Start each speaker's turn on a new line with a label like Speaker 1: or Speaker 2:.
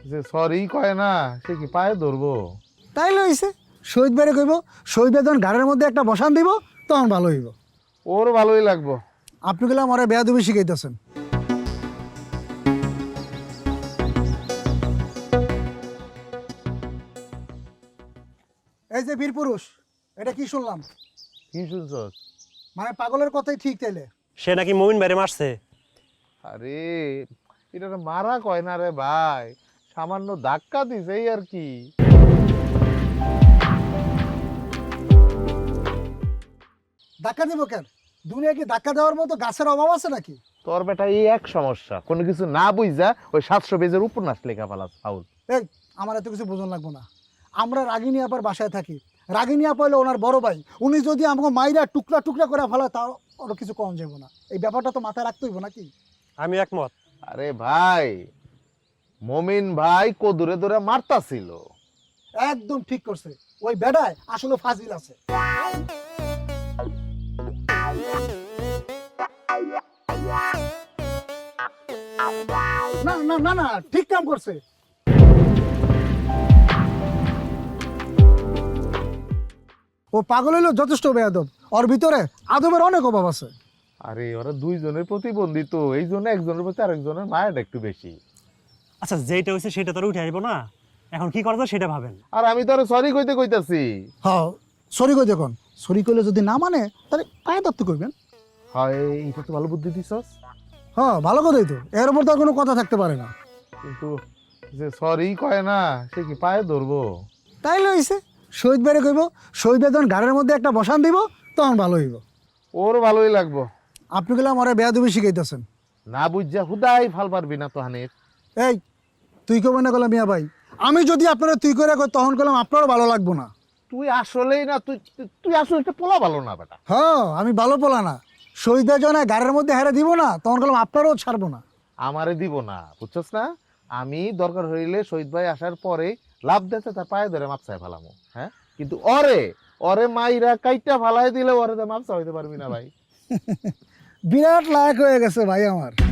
Speaker 1: যে সরি কয় না সে কি পায়ে ধরবো?
Speaker 2: তাই লইছে শহীদ বেড়ে কইব, শহীদ বেদন গাড়ির মধ্যে একটা বসান দিব, তখন ভালো হইব।
Speaker 1: ওর ভালোই লাগবো।
Speaker 2: আপনি গেলে আমার বেয়াদবি শিখাইতেছেন। এই যে বীর পুরুষ, এটা কি শুনলাম?
Speaker 1: কি শুনছস?
Speaker 2: মানে পাগলের কথাই ঠিক তাইলে?
Speaker 3: সে নাকি মমিন বাইরে মারছে।
Speaker 1: আরে এটা তো মারা কয় না রে ভাই, সামান্য ধাক্কা দিছে এই আর কি।
Speaker 2: ধাক্কা দিব কেন? দুনিয়া কি ধাক্কা দেওয়ার মতো গাছের অভাব আছে নাকি?
Speaker 1: তোর বেটা এই এক সমস্যা, কোনো কিছু না বুঝা ওই 700 পেজের উপন্যাস লেখা ফেলাস ফাউল।
Speaker 2: এই আমার এত কিছু বোঝন লাগবো না। আমরা রাগিনী আপার বাসায় থাকি। রাগিনী আপা হলো ওনার বড় ভাই। উনি যদি আমাকে মাইরা টুকরা টুকরা করে ফেলায় তাও ওর কিছু কম যাবো না। এই ব্যাপারটা তো মাথায় রাখতে হইব নাকি?
Speaker 3: আমি একমত।
Speaker 1: আরে ভাই, মমিন ভাই কদুরে ধরে মারতাছিল।
Speaker 2: একদম ঠিক করছে। ওই বেডায় আসলে ফাজিল আছে। না না না না, ঠিক কাম করছে। ও পাগল হইলো যথেষ্ট বেয়াদব। ওর ভিতরে আদবের অনেক অভাব আছে।
Speaker 1: আরে ওরা দুইজনের প্রতিবন্ধী তো, এই জন্য একজনের প্রতি আরেকজনের মায়াটা একটু বেশি।
Speaker 3: আচ্ছা, যেটা হয়েছে সেটা তো উঠে আসবো না, এখন কি করা যায় সেটা ভাবেন।
Speaker 1: আর আমি তো আরে সরি কইতে কইতাছি।
Speaker 2: হ্যাঁ, সরি কই দেখুন। সরি কইলে যদি না মানে তাহলে পায়ে দত্ত করবেন।
Speaker 1: হয়, এটা তো ভালো বুদ্ধি দিছস।
Speaker 2: হ্যাঁ, ভালো কথাই তো। এর উপর তো আর কোনো কথা থাকতে পারে না।
Speaker 1: কিন্তু যে সরি কয় না সে কি পায়ে ধরবো?
Speaker 2: তাই লইছে শহীদ বেড়ে কইব, শহীদ বেদন গাড়ির মধ্যে একটা বসান দিব, তখন ভালো হইব।
Speaker 1: ওর ভালোই লাগবো।
Speaker 2: আপনি গেলে আমার বেয়াদবি শিখাইতেছেন।
Speaker 1: না বুঝা হুদাই ফাল পারবি না তো হানির।
Speaker 2: এই তুই কবে না গেলাম মিয়া ভাই, আমি যদি আপনারা তুই করে কই তখন গেলাম আপনারও ভালো লাগবো না।
Speaker 1: তুই আসলেই না, তুই তুই আসলে একটা পোলা ভালো না বেটা।
Speaker 2: হ্যাঁ, আমি ভালো পোলা না। শহীদের জন্য গাড়ির মধ্যে হেরে দিব না, তখন গেলাম আপনারও ছাড়বো না।
Speaker 1: আমারে দিব না, বুঝছস না? আমি দরকার হইলে শহীদ ভাই আসার পরে লাভ দিতে তার পায়ে ধরে মাপসায় ফেলামো। হ্যাঁ, কিন্তু ওরে ওরে মাইরা কাইটা ফালাই দিলে ওরে তো মাপসা হইতে পারবি না ভাই।
Speaker 2: বিরাট লায়ক হয়ে গেছে ভাই আমার।